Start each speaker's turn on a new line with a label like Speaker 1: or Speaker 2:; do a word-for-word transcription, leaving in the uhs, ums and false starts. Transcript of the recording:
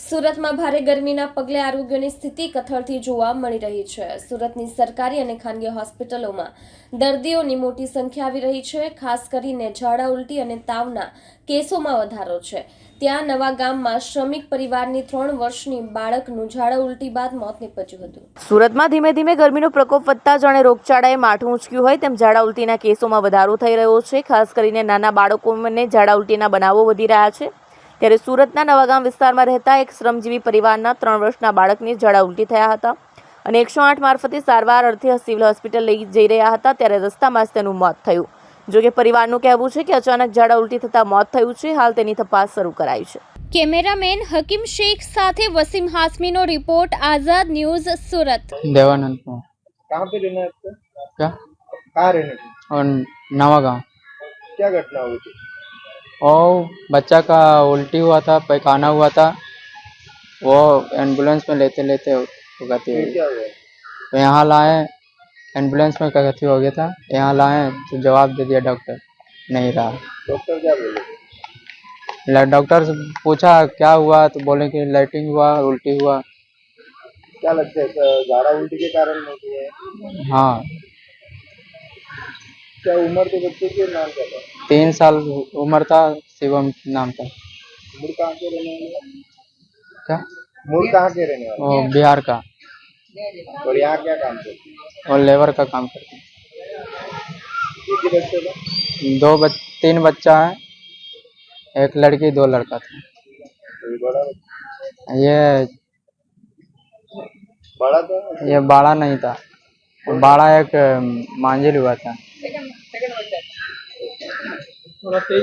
Speaker 1: સુરતમાં ભારે ગરમીના પગલે આરોગ્યની સ્થિતિ કથળતી જોવા મળી રહી છે। સુરતની સરકારી અને ખાનગી હોસ્પિટલોમાં દર્દીઓની મોટી સંખ્યા આવી રહી છે। ખાસ કરીને ઝાડા ઉલટી અને તાવના કેસોમાં વધારો છે। ત્યાં નવા ગામમાં શ્રમિક પરિવારની ત્રણ વર્ષની બાળકનું ઝાડા ઉલટી બાદ મોત નીપજ્યું હતું।
Speaker 2: સુરતમાં ધીમે ધીમે ગરમીનો પ્રકોપ વધતા જાણે રોગચાળાએ માઠું ઊંચક્યું હોય તેમ ઝાડા ઉલટીના કેસોમાં વધારો થઈ રહ્યો છે। ખાસ કરીને નાના બાળકોને ઝાડા ઉલટીના બનાવો વધી રહ્યા છે। ત્યારે સુરતના નવાગામ વિસ્તારમાં રહેતા એક શ્રમજીવી પરિવારના ત્રણ વર્ષના બાળકને ઝાડા ઉલટી થયા હતા અને એકસો આઠ મારફતે સારવાર અર્થે સિવિલ હોસ્પિટલ લઈ જઈ રહ્યા હતા ત્યારે રસ્તામાં જ તેનું મોત થયું। જોકે પરિવારનું કહેવું છે કે અચાનક ઝાડા ઉલટી થતા મોત થયું છે। હાલ તેની તપાસ શરૂ કરાઈ છે।
Speaker 1: કેમેરામેન હકીમ શેખ સાથે વસીમ હાસમીનો रिपोर्ट आजाद न्यूज सूरत।
Speaker 3: देवानंद को
Speaker 4: कहाँ पे रहना है आपको?
Speaker 3: क्या
Speaker 4: कहाँ रहने थे?
Speaker 3: और नवागांव।
Speaker 4: क्या घटना हुई थी?
Speaker 3: और बच्चा का उल्टी हुआ था, पैखाना हुआ था, वो एम्बुलेंस में लेते लेते गति हो
Speaker 4: फिर
Speaker 3: गई।
Speaker 4: क्या हुआ?
Speaker 3: तो यहाँ लाए, एम्बुलेंस में गति हो गया था, यहाँ लाए तो जवाब दे दिया डॉक्टर नहीं रहा।
Speaker 4: डॉक्टर क्या बोले?
Speaker 3: ल- डॉक्टर से पूछा क्या हुआ तो बोले कि लाइटिंग हुआ, उल्टी हुआ।
Speaker 4: क्या लगता है अ, झाड़ा उल्टी के कारण होती है?
Speaker 3: हाँ,
Speaker 4: क्या उम्र के बच्चे के नाम क्या था?
Speaker 3: तीन साल उम्र था, शिवम नाम था।
Speaker 4: मूल कहाँ के रहने वाले?
Speaker 3: क्या
Speaker 4: मूल कहाँ के रहने वाले?
Speaker 3: वो बिहार का
Speaker 4: और यहाँ क्या काम करते?
Speaker 3: और लेबर का काम करते हैं।
Speaker 4: एक ही बच्चे था?
Speaker 3: दो बच, तीन बच्चा है, एक लड़की दो लड़का था।
Speaker 4: कोई बड़ा बच्चा?
Speaker 3: ये
Speaker 4: बड़ा था?
Speaker 3: ये बाड़ा नहीं था, बाड़ा एक मांझिल हुआ था।